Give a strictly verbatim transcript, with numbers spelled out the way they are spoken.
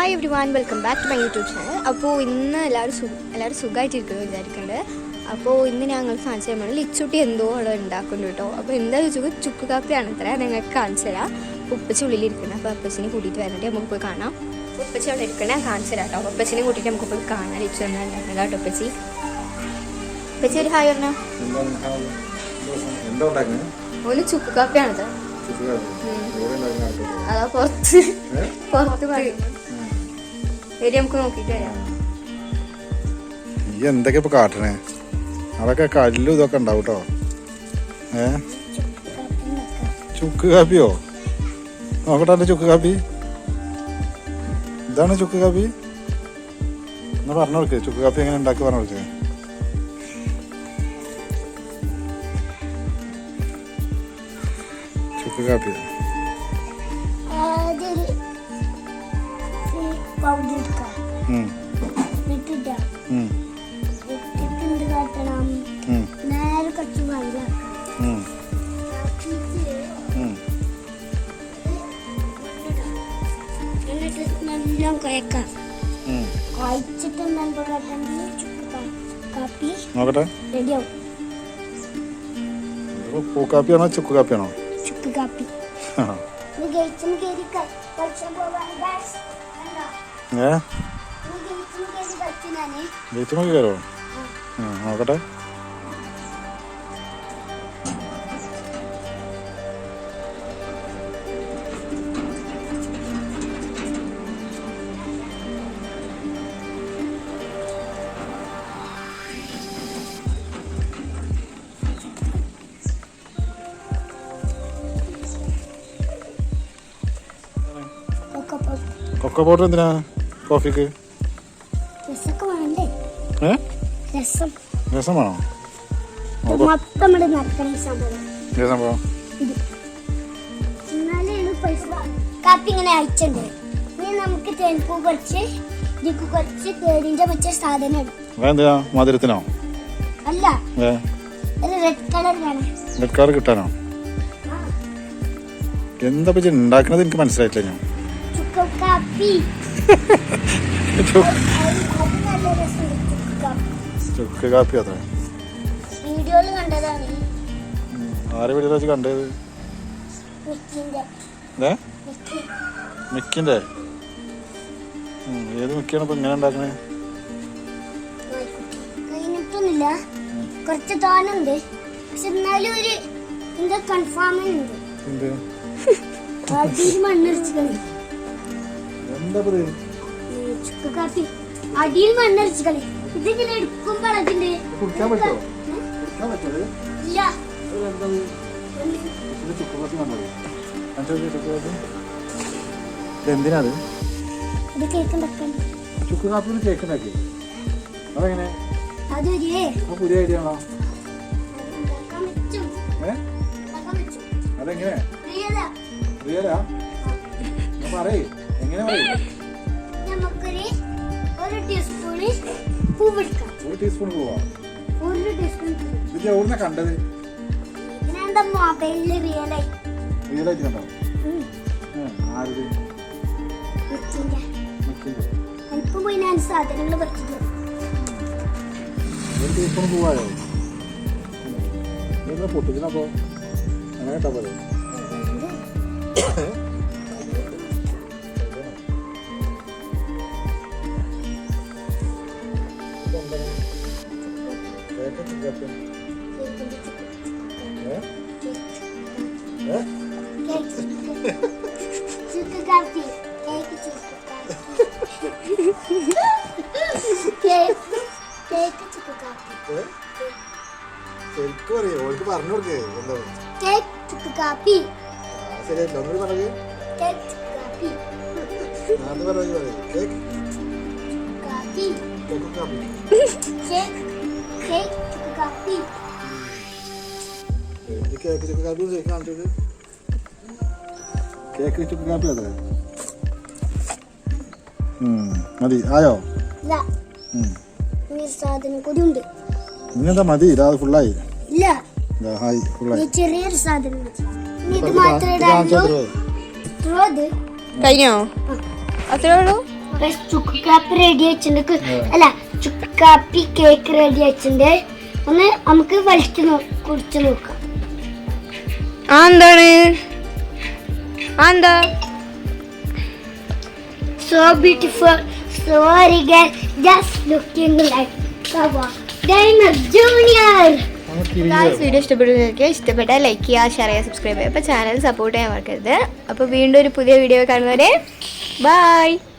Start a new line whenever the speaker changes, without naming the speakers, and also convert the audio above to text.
Hi everyone, welcome back to my YouTube channel. അപ്പോൾ ഇന്ന് എല്ലാവരും സു എല്ലാവരും സുഖമായിട്ടിരിക്കുന്നു വിചാരിക്കുന്നുണ്ട്. അപ്പോൾ ഇന്ന് ഞങ്ങൾ കാണിച്ചു തരാൻ ലിച്ചുട്ടി എന്തോ അവിടെ ഉണ്ടാക്കുന്നുണ്ട് കേട്ടോ. അപ്പോൾ എന്താ ചോദിച്ചാൽ ചുക്ക് കാപ്പിയാണ് അത്ര ഞങ്ങൾക്ക് കാണിച്ചു തരാം. ഉപ്പച്ചി ഉള്ളിലിരിക്കുന്നത്. അപ്പോൾ അപ്പച്ചിനെ കൂട്ടിയിട്ട് വരണ്ടേ, നമുക്ക് പോയി കാണാം. ഉപ്പച്ചി അവിടെ ഇരിക്കണേ കാണിച്ചു തരാം കേട്ടോ. ഉപ്പച്ചിനെ കൂട്ടിയിട്ട് നമുക്ക് പോയി കാണാം. ലിച്ചു എന്നാ ഉണ്ടാക്കുന്നത് കേട്ടോ. ഉപ്പച്ചി ഉപ്പച്ചി ഒരു ഹായ് പറഞ്ഞോ. ഒരു ചുക്ക് കാപ്പിയാണത്. അതാ പുറത്ത് പുറത്ത് വരി നമുക്ക് നോക്കിട്ട് വരാം.
ഈ എന്തൊക്കെ ഇപ്പൊ കാട്ടണേ? അതൊക്കെ കല്ലും ഇതൊക്കെ ഉണ്ടാവും കേട്ടോ. ഏ ചുക്ക് കാപ്പിയോ? നോക്കട്ടെ എന്റെ ചുക്ക് കാപ്പി. ഇതാണ് ചുക്ക് കാപ്പി. എന്നാ പറഞ്ഞു കൊടുക്ക്, ചുക്ക് കാപ്പി എങ്ങനെ ഉണ്ടാക്കി പറഞ്ഞു കൊടുക്ക്. ചുക്ക് കാപ്പി നോക്കട്ടെ. പൂക്കാപ്പിയാണോ ചുക്ക് കാപ്പിയാണോ?
ചുക്ക് കാപ്പി.
ഏ ഗേറ്റുമൊക്കെ കയറോ? നോക്കട്ടെ. കൊക്കോ പൗഡർ എന്തിനാ കോഫിക്ക്? ഏ രസം വേണോ? സംഭവം
കാപ്പി ഇങ്ങനെ അയച്ചുണ്ട്. ഇനി നമുക്ക് തേൻപൂ കുറച്ച് ഇതിക്ക് കുറച്ച് തേടിന്റെ മറ്റേ സാധനം ഇടും.
എന്തിനാ? മധുരത്തിനോ?
അല്ല, റെഡ് കളർ വേണം.
റെഡ് കളർ കിട്ടാനോ? എന്താ പറ്റി ഉണ്ടാക്കണത് എനിക്ക് മനസ്സിലായിട്ടില്ല. ഞാൻ
കാപ്പി
ചുക്ക് കാപ്പി അത്ര
വീഡിയോയില് കണ്ടതാണ്.
ആരെ വീഡിയോ വെച്ച് കണ്ടത്? മിക്കിന്റെ. ഏത് മിക്കാണ് ഇപ്പൊ ഇങ്ങനെ ഉണ്ടാക്കണേ?
കഴിഞ്ഞിട്ടൊന്നുമില്ല, കുറച്ച് തോന്നുണ്ട്. പക്ഷെ എന്നാലും ഒരു എന്താ കൺഫേം ഉണ്ട്. അടിയിൽ മണ്ണരിച്ച് കളി. ചുക്ക് കാപ്പി അടിയിൽ മണ്ണരിച്ച് കളി. ഇതിങ്ങനെ എടുക്കുമ്പോൾ അതിന്റെ ഇല്ല.
എന്തിനാണ്
കേക്ക് ഉണ്ടാക്കാൻ?
ചുക്ക് കാപ്പി കേക്ക് ഉണ്ടാക്കി? അതെങ്ങനെ?
അതൊരു
പുതിയ ഐഡിയ ആണോ? അതെങ്ങനെ? റിയലാ? പറയേ, എങ്ങനെ പറയും?
നമുക്കൊരു ഒരു ടീസ്പൂണ് പൂവെടുക്കാം.
ഒരു ടീസ്പൂൺ പൂവാ?
ഒരു ടീസ്പൂൺ.
ഇത് എവിടുന്നാ കണ്ടത്?
ഇതിനെന്താ മൊബൈലില് റിയലായി
റിയലായിട്ട് കണ്ടോ? ആരുടെ?
എനിക്ക് പോയി ഞാൻ സാധനങ്ങൾ പറിച്ചിട്ട്
ഒരു ടീസ്പൂൺ പൂവായോ? ഇതെന്താ പൊട്ടിക്കണപ്പോ? അങ്ങനെ ഇട്ടാ പോലെ.
ചുക്ക് കാപ്പി കേക്ക് ചുക്ക് കേക്ക് ചുക്ക് കാപ്പി
ശരിക്കും അറിയോ? ഓൾക്ക് പറഞ്ഞു കൊടുക്കേ. എന്താ
കേക്ക് ചുക്ക് കാപ്പി?
ശരിയായിട്ടില്ല, ഒന്നുകൂടി പറഞ്ഞു.
കേക്ക് ചുക്ക് കാപ്പി.
അത് പറഞ്ഞു പറയും. കേക്ക്
കാപ്പി
കേക്ക് കാപ്പി
കേക്ക് കേക്ക് ചുക്ക് കാപ്പി.
കേക്ക് ചുക്ക് കാപ്പി ശരിക്കും കാണിച്ചത്. കേക്ക് ചുക്ക് കാപ്പി അതെ. മതി ആയോ?
സാധനം കൂടി ഉണ്ട്.
ഇങ്ങനെന്താ മതി? ഇതാ ഫുള്ളായി.
ഇല്ല,
ഫുള്ളായി.
ചെറിയൊരു സാധനം ഇത് മാത്രമേ
കഴിഞ്ഞോ? അത്രേ ഉള്ളൂ.
ചുക്ക് കാപ്പി റെഡി ആയിട്ടുണ്ട് അല്ല ചുക്ക് കാപ്പി കേക്ക് റെഡി ആയിട്ടുണ്ട് ഒന്ന് നമുക്ക് വലിച്ചു നോ കുടിച്ചു നോക്കാം
ആ എന്താണ് ആ എന്താ
so beautiful so elegant just looking like Kawa Diner Junior.
Video ഇഷ്ടപ്പെടുന്നവർക്ക് ഇഷ്ടപ്പെട്ട ലൈക്ക് ചെയ്യുക ഷെയർ ചെയ്യുക സബ്സ്ക്രൈബ് ചെയ്യുക അപ്പോൾ ചാനൽ സപ്പോർട്ട് ചെയ്യാൻ മറക്കരുത് അപ്പോൾ വീണ്ടും ഒരു പുതിയ വീഡിയോ കാണുന്നവരെ ബൈ.